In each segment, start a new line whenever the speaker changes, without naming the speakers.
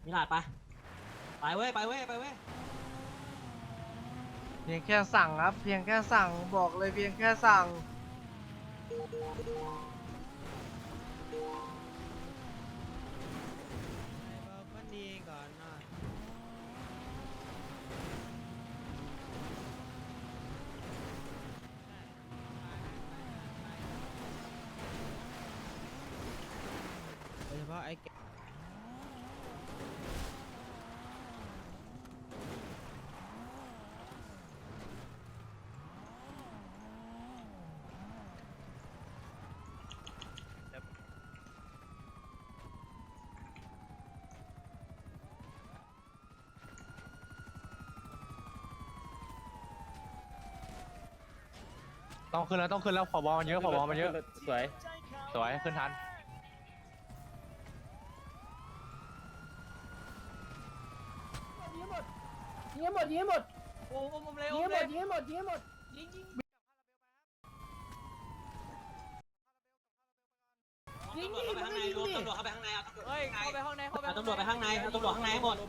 มิลาดไปเว้ยไปเว้ยไปเว้ย
เพียงแค่สั่งครับเพียงแค่สั่งบอกเลยเพียงแค่สั่ง
มันดีก่อนหน่อยโดยเฉพาะไอ้แก
ต้องขึ้นแล้วผบมันเยอะสวยขึ้นทัน
ยิงหมดยิงหมดโอ้ผมเลยยิงหมดยิงหมดยิงหมดยิงยิงยิงดิมันไม่ยิงดิ
ตำรวจเข้าไปข้างในเอา
เฮ้ยเข้าไปห้องในเข้าไป
ตำรวจไปข้างในเอาตำรวจข้างในให้หมด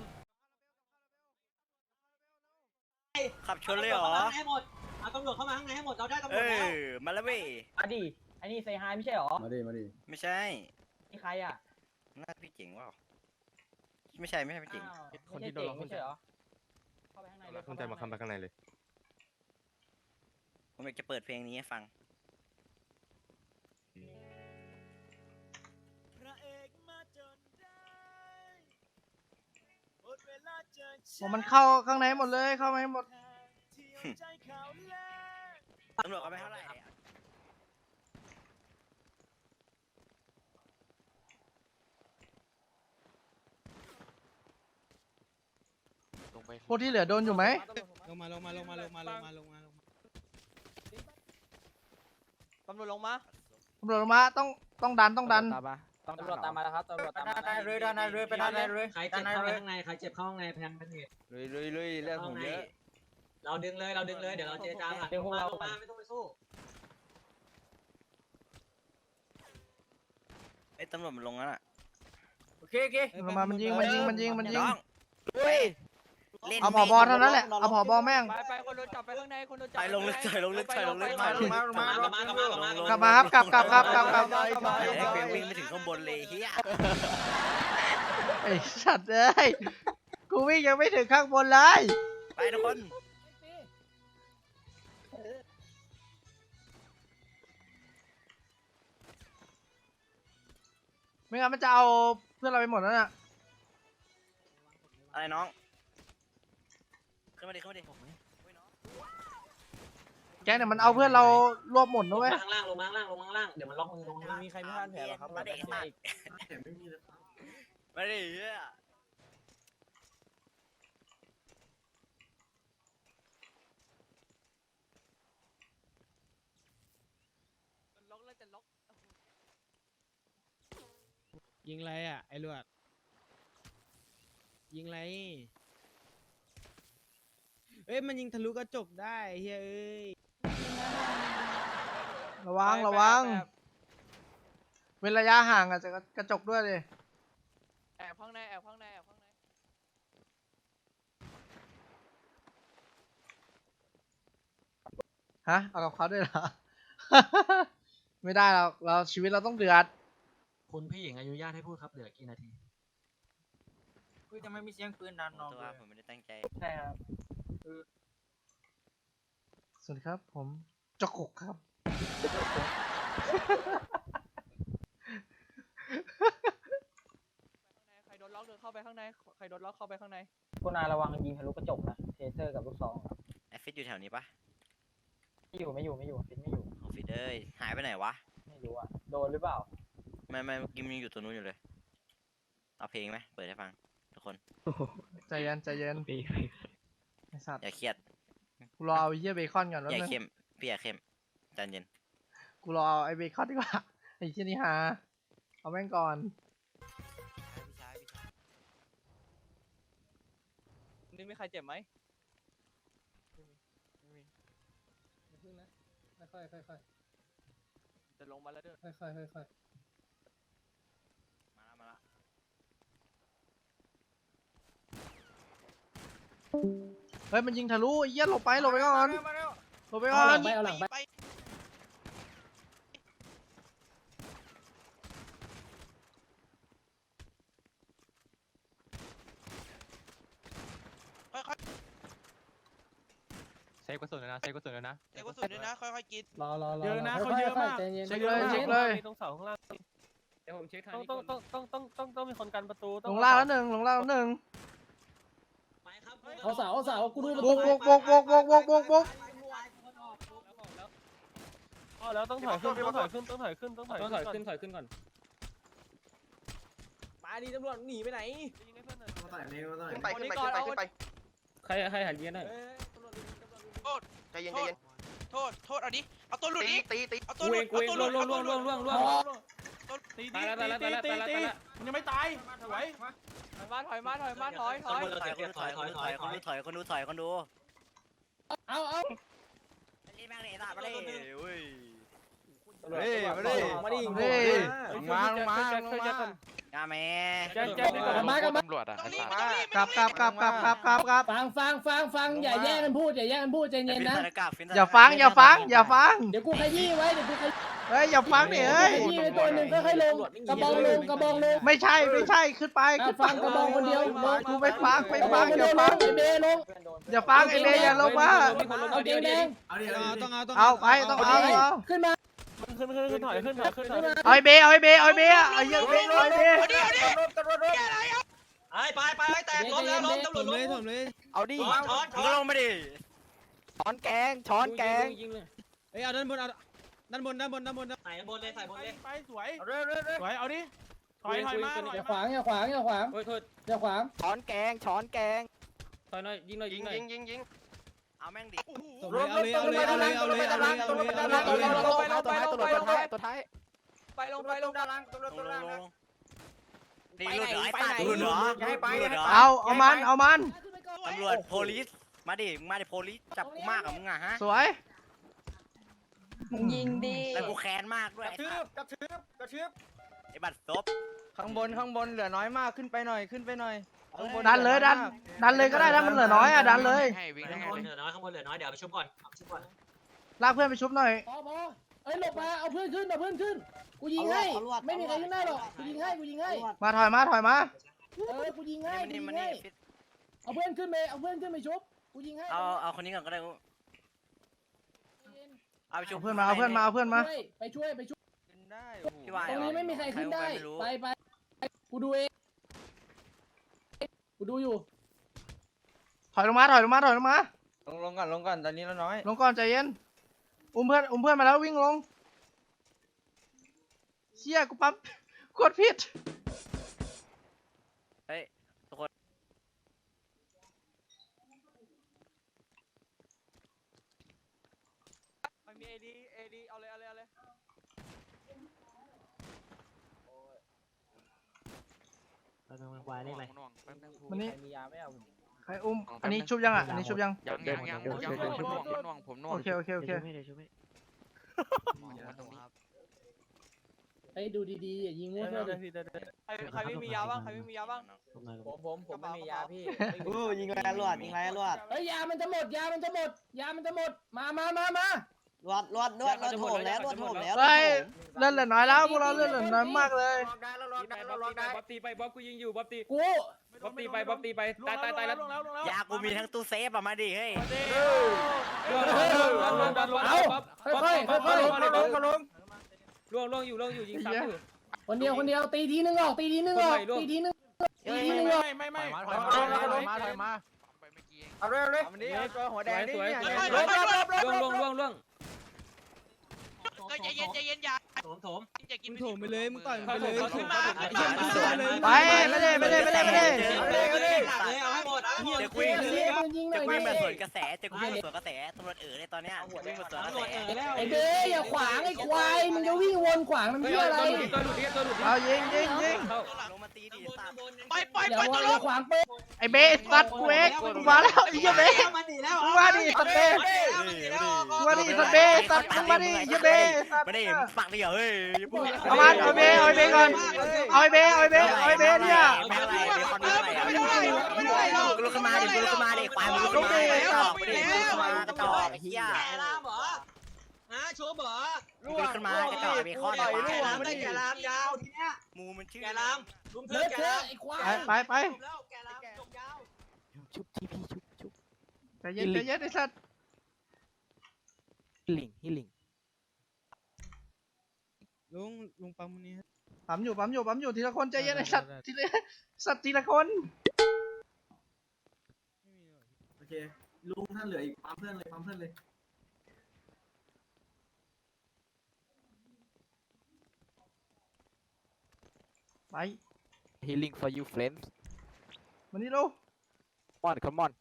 ขับชนเลยเหรอ
ให้หมดเอาตำรวจเข้ามาข้างในให้หมดเราได้ตำร
เอ
วจแล้ว
อ มาแล้วเว้ย
อดีไอ้นี่เซฮายไม่ใช่หรอ
มาดิมาดิ
ไม่ใช่
นี่ใครอ่ะ
น่าพี่เจ๋งว่ะไม่ใช่พี่เจ๋ง
คนที่โดนไม่ใช่หรอเข้าไปข้างในเลย
ขึ้นใจมาคัมไปข้างในเลย
ผมอยากจะเปิดเพลงนี้ให้ฟัง
บอกมันเข้าข้างในหมดเลยเข้ามาให้หมด
ตำรวจเอาไปเท่าไหร่อะ
พวกที่เหลือโดนอยู่ไหม
ลงมา
ตำรวจลงมา
ตำรวจลงมาต้องดัน
ตำรวจตามมาแล้วครับตำรวจตามมา
ด้านในเรือไปด้านในเรือ
ใครเจ็บเข้าไปข้างในใครเจ็บเข้าข้างในแพนเป็นเหตุ
ลุยเรื่องผมเยอะ
เราดึงเลยเดี๋ยวเราเจรจาลงมาไม่ต้องไปสู้
ไอ้ตำรวจมันลงแล้วน่ะ
โอเค
ลงมามันยิง
น้องลุยเล่น
เอาผบเท่านั้นแหละเอาผบแม่ง
ไปคนโดนจับไปข้างในคนโดนจับ
ไปลงลึก
กลับ
กลับมาครับกลับ
เพลงวิ่งไม่ถึงข้างบนเลยเฮีย
ไอ้สัตว์เอ้ยกูวิ่งยังไม่ถึงข้างบนเลย
ไปทุกคน
ไม่งั้นมันจะเอาเพื่อนเราไปหมดแล้วน่ะ
อะไรน้องขึ้นมาดิ
แกเนี่ยมันเอาเพื่อนเรารวบหมดนะเว้ย
ข้างล่างลงมาข้างล่างเดี๋ยวมันล็อกมือลงมา
มีใครไม่พลาดแผลหรอครับ
มาดิมาดิเฮีย
ล็อกแล้วจะล็อก
ยิงไรอ่ะไอ้ลวดยิงไรเอ้ยมันยิงทะลุกระจกได้เฮ้ยเอ้ย
ระวังเว้นระยะห่างอ่ะจะกระจกด้วยเลย
แอบข้างใน
ฮะเอากับเขาด้วยเหรอ ไม่ได้เราชีวิตเราต้องเดือด
คุณพี่หญิงอนุญาตให้พูดครับเหลือกี่นาที
คือจะไม่มีเสียงปืนดันน้อง
ตัวผมไม่ได้ตั้งใจ
ใช่ครับ
สวัสดีครับผมจกกครับ
ใครโดนล็อกเดินเข้าไปข้างในใครโดนล็อกเข้าไปข้างในคุณนายระวังยิงทะลุกระจกนะเทเซอร์กับลูกซอง
ไอฟิตอยู่แถวนี้ปะ
ไม่อยู่ฟิตไม่อยู่
ของฟิตเอ้ยหายไปไหนวะ
ไม่รู้อ่ะโดนหรือเปล่า
ไม่เมื่อกี้มันยังอยู่ตัวนู้นอยู่เลยเอาเพลงไหมเปิดให้ฟังทุกคน
ใจเย็นไอ้สัตว์
อย่าเครียด
กูรอเอาไอ้เหี้ยเบคอนก่อนแล้ว
อย่า
นึง
เข้มพี่อย่าเข้มใจเย็น
กูรอเอาไอ้เบคอนดีกว่าไอ้เหี้ยนี่หาเอาแม่งก่อน
นี่มีใครเจ็บไหม
พึ่งนะค่อย
จะลงมาแล้วเด้อ
ค่อย
มาแล้ว
เฮ้ยมันยิงทะลุไอ้เหี้ยหลบไปก่อนหลบไปก่อน
เอาหลังไปเอาหลังไป
เซฟกระสุนเลยนะเซฟกระสุนเลยนะ
เดี๋ยวก็สุดด้วยนะค่อยๆกิน
รอ
เยอะนะเขาเยอะมาก
ใจเย็น
เช็คเลยเช็คเลย
ตรงเสาข้างล่าง
เดี๋ยวผมเช็คทาง
ต้องมีคนกันประตู
ลงล่างแล้วหนึ่งลงล่างแล้วหนึ่ง
ไปครับ
เอาเสากูดู
บุกบุกบุกบุกบุกบุกบุกบุก
แล้วต้องถอยขึ้นต้องถอยขึ้นก่อน
มาดีตำรวจหนีไปไหน
ขึ้นไปขึ้นไป
ใครหันเย็นหน่อย
ใจเย็นโทษเอาดิเอาตัวหลุดดิตีเอาตัวห
กู
ลุด
เองล่วง
ตี
ตายแล้ว
มันยังไม่ตายไหว
ถอยคนดู
เอา
นี่แม่งเลยตาไปเลยเว้ย
มาดิ
เฮ้ย
มา
ยาแม่
ตำรวจอ่ะ
ตรงนี้
กลับ
ฟังอย่าแย่งกันพูดใจเย็นนะ
อย่าฟัง
เดี๋ยวกูขยี้ไว้
เฮ้ยอย่าฟังดิเฮ้ย
ขยี้ไปตัวหนึ่งค่อยๆลงกระบองลง
ไม่ใช่ขึ้นไป
ฟังกระบองคนเดียวลง
กูไม่ฟังอย่าฟัง
ไอเบลง
อย่าฟังไอ้เบย์อย่าลงมา
เอาเกงแดง
เอาไปต้องเอา
ขึ้นมา
ขึ้นถอยขึ้น
เอาไอ้เบย์เอาไอ้เบย์เอาไอ้เบย์เอาไอ้เหี้ยเบย์เอาไอ้เบย์
ไปแตกล้มแล้วล้มตำรวจล้ม
เอาดิ
มึงก็ลงมาดิ
ช้อนแกง
ยิงเลย
เฮ้ยเอาด้านบนด้านบน
ใส่บนเลยใส่บนเลย
ไปสวยเอาดิถอยมา
อย่าขวาง
โอ้ยโทษ
อย่าขวาง
ช้อนแกง
ถอยหน่อยยิงหน่อย
ยิง
เอาแม่งดิ
เอาเลย
ตัวท้าย
ไปลงด้านล่าง
ดีหลุดเหรอไอ้ตาดูเหรอ
เอามัน
ตำรวจโพลิสมาดิมึงมาดิโพลิสจับกูมากกับมึงอะฮะ
สวย
ยิงดี
แล้วกูแค้นมากด้วย
กระชืบ
ไอ้บัตรซบ
ข้างบนเหลือน้อยมากขึ้นไปหน่อย
ดันเลยดันเลยก็ได้ถ้ามันเหลือน้อยอ่ะดันเลย
ข้างบนเหลือน้อยเดี๋ยวไปชุบก่อน
ลากเพื่อนไปชุบหน่อย
พอเอ้ยหลบมาเอาเพื่อนขึ้นกูยิงให้ไม่มีใครขึ้นได้หรอกกูยิงให้
มาถอยมา
กูยิงให้
มันนี่
เอาเพื่อนขึ้นไปชุบกูยิงให้
เอาคนนี้ก่อนก็ได้เอาไปชุบ
เอาเพื่อนมา
ไปช่วย
ได้
พี่วาย
ตรงนี้ไม่มีใครขึ้นได้ไปกูดูเองกูดูอยู่
ถอยลงมา
ลงก่อนตอนนี้เราน้อย
ลงก่อนใจเย็นอุ้มเพื่อนมาแล้ววิ่งลงเชี่ยกูปั๊มกดผิด
เฮ้ยทุกคน
มีเอดีเอาเลย
มันนี่
มียาไม่เอา
ใครอุ้มอันนี้ชุบยังอ่ะอันนี้ชุบยัง
ยังผมน่วง
โอเค
ไปดูดีๆอย่ายิงมั่วซั่วดิ
ใครไม่มียาบ้าง
ผมไม่มียาพี่
ยิงไรลวด
เฮ้ยยามันจะหมดมา
รวดโถมแล้ว
เฮ้ยเลื่อนเหลือน้อยแล้วพวกเราเลื่อนเหลือน้อยมากเลย
บ๊อบตีไปบ๊อบกูยิงอยู่บ๊อบตี
กู
บ๊อบตีไปตายแล้ว
ยากูมีทั้งตู้เซฟอะมาดิเฮ้ย
ล่วงอยู่ยิงซ้ำอยู่
คนเดียวตีทีนึงออก
ไม่
เอาเลยวันนี้ตัวหัวแดงนี่
ล่วง
ใจเย็นอย่า
โถม
อย่ากิน
มึงโถมไปเลยมึงต่อยไปเลย
ขึ้นมา
ไปไม่ได้
เอาให้หมด
เดี๋ยวกูวิ่งมาสวนกระแสตำรวจเลยตอนเนี้ยวิ่งมาสวนกระแส
ไอ้เบ้อย่าขวางไอ้ควายมึงจะวิ่งวนขวางมันเพื่ออะไร
ตัวหลุด
เอายิง
ลงมาตีดิ
อย่าขวางเป๊ะ
ไอ้เบย์สัตว์กูเองกูมาแล้วไอ้เหี้ยเบย์กูมาดิสัตว์เบย์กูมาดิสัตว์เบย์สัตว์มึงมาดิเหี้ยเบย์สัตว์
ไม่ได้ปักเดียวเฮ้ย
เอามันเอาเบย์ก่อนเอาไอ้เบย์เนี่ย
แม่อะไรเดี๋ยวคนนี้อะไรลูกขึ้นมาดิกูลุกขึ้นมาดิควายมึงลุกขึ้นมาดิกระจอกดิลุกขึ้นมากระจอกไอ้เหี้ย
แกรามเหรอฮะโชว์เหรอ
ลุกขึ้นมากระจอกไอ้ข้อเดียว
แกรามได้แกรามยาวทีเนี้ย
มูมันชื่อ
แกรามลุมเธอแกราม
ไป
จบแล้วแกรามจบยาว
ชุบทีพีชุบ
ใจเย็นไอ้สัตว์
ลิงฮิลิงลุงปั๊มนี้
ปั๊มอยู่ทีละคนใจเย็นไอ้สัตว์ทีละคน
โอเคลุงท่านเหลืออีกปั๊มเพื่อนเลย
ไป
healing for you friends
มานี่ลูก
come on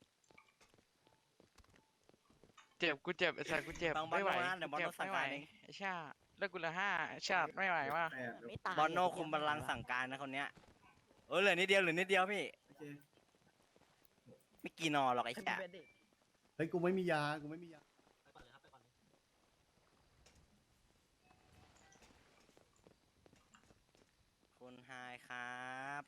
เจ็บกูเจ็บไอ้สัตว์กูเจ็บไม่ไหวไอ้ชาเลิกกูละ5ชาไม่ไหวว่ะ
บอลโนคุมบัลลังก์สั่งการนะคนเนี้ยเหลือนิดเดียวพี่
โอเค
ไม่กี่นอหรอกไอ้แฉะ
เฮ้ยกูไม่มียา
คุณไฮครับ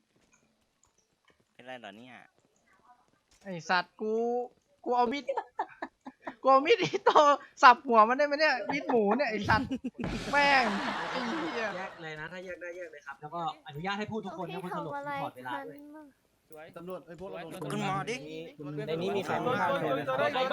เป็นไรเหรอเนี่ย
ไอ้สัตว์กูเอามีดอีโตสับหัวมันได้ไหมเนี่ยมีดหมูเนี่ยไอ้สัตว์แม่งไอ้เหี้ย
แยกเลยนะถ้าแยกได้แยกเลยครับแล้วก็อนุญาตให้พูดทุกคนนะคนสลบถอดเวลาด้วย
สวย
ตำรวจไอ้พวกเรา
ขึ้นมาดิ
ในนี้มีใครไม่ทานเลยไหม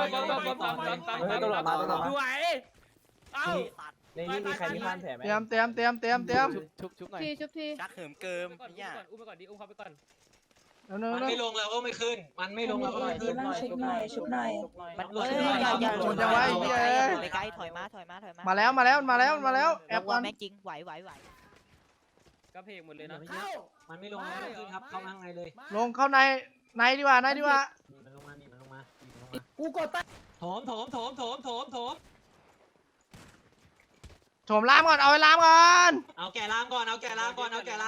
สวยเอ้า
ในนี้มีใครไม่ทานแผลไหม
เตรียม
ชุบหน่อย
ชักเหิมเกิม
อุ้ม
เนี่ย
ไปก่อนดิอุ้มเขาไปก่อน
แล้วเน
มันไม่ลงเราก็ไม่ขึ้นมันไม่ลงเราก็ไม่ขึ้น
ชุบหน่อย
มันลง
โดนจะไว้เหี้ย
ไปไกลถอยมา
มาแล้วแอบก่อน
แม็กจริงไหว
ก็เพลงหมดเลยนะ
มันไม่ลงเราไม่ขึ้นครับเข้าข้างในเลย
ลงเข้าในดีกว่า
มันลงมากูกดไปโถม
โถมล้ามก่อนเอาไว้ล้ามก่อน
เอาแกรามก่อน
เอาแกล้ามก่อน
แกราม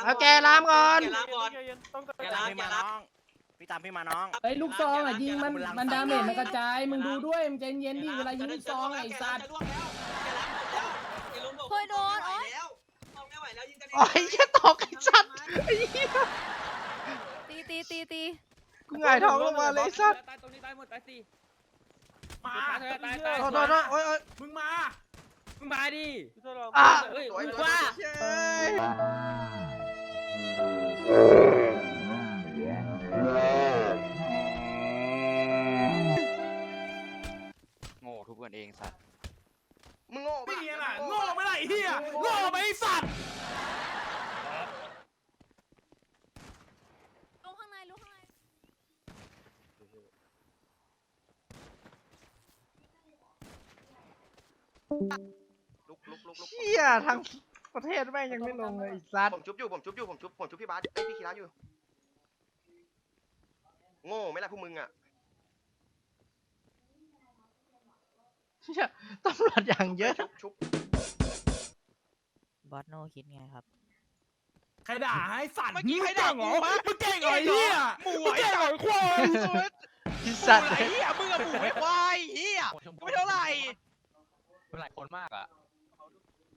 พี่ตามพี่มาน้อง
เฮ้ยลูกซองอ่ะยิงมันดาเมจมันกระจายมึงดูด้วยมึงใจเย็นดิเวลายิงลูกซองไอ้สัตว์
โอ้ยโดนโอ้ยไม่ไหวแล้วยิงกัน
โอ้ยแค่ตกไอ้สัตว์ไอ้เหี้ย
ตี
กูหงายท้องลงมาเลยไอ้สัตว์
ตายตรงนี้ตายหมดตายสี่
มา
ตาย
โทษโอ้ย
มึงมา
มึงมาดิ
อ่ะ
เฮ้ย
ว่า
โง่ทุบกันเองสัตว์
มึงโง่
ไม่มีอะไรโง่ไม่ไรเฮียโง่ไม่สัตว์
ลงข้างใน
ลุก
เชี่ยทั้งประเทศแม่งยังไม่ลงเลยไอ้สัตว์
ผมชุบพี่บาสพี่คีราอยู่โง่ไม่ละพวกมึงอ่ะ
เชี่ยตำรวจอย่างเยอะ
ชุบบ
อสโนคิดไงครับ
ใครด่าให้สัตว์เมื่อกี้ใครด่าหรอมึงเก่งเหรอเฮียหมูไอ้เก่งเหรอควาย
ไอ้สัตว์
ไอ้เฮียมึงอะหมูไอ้ควายเฮียไม่เท่าไหร่
เป็นหลายคนมากอ่ะ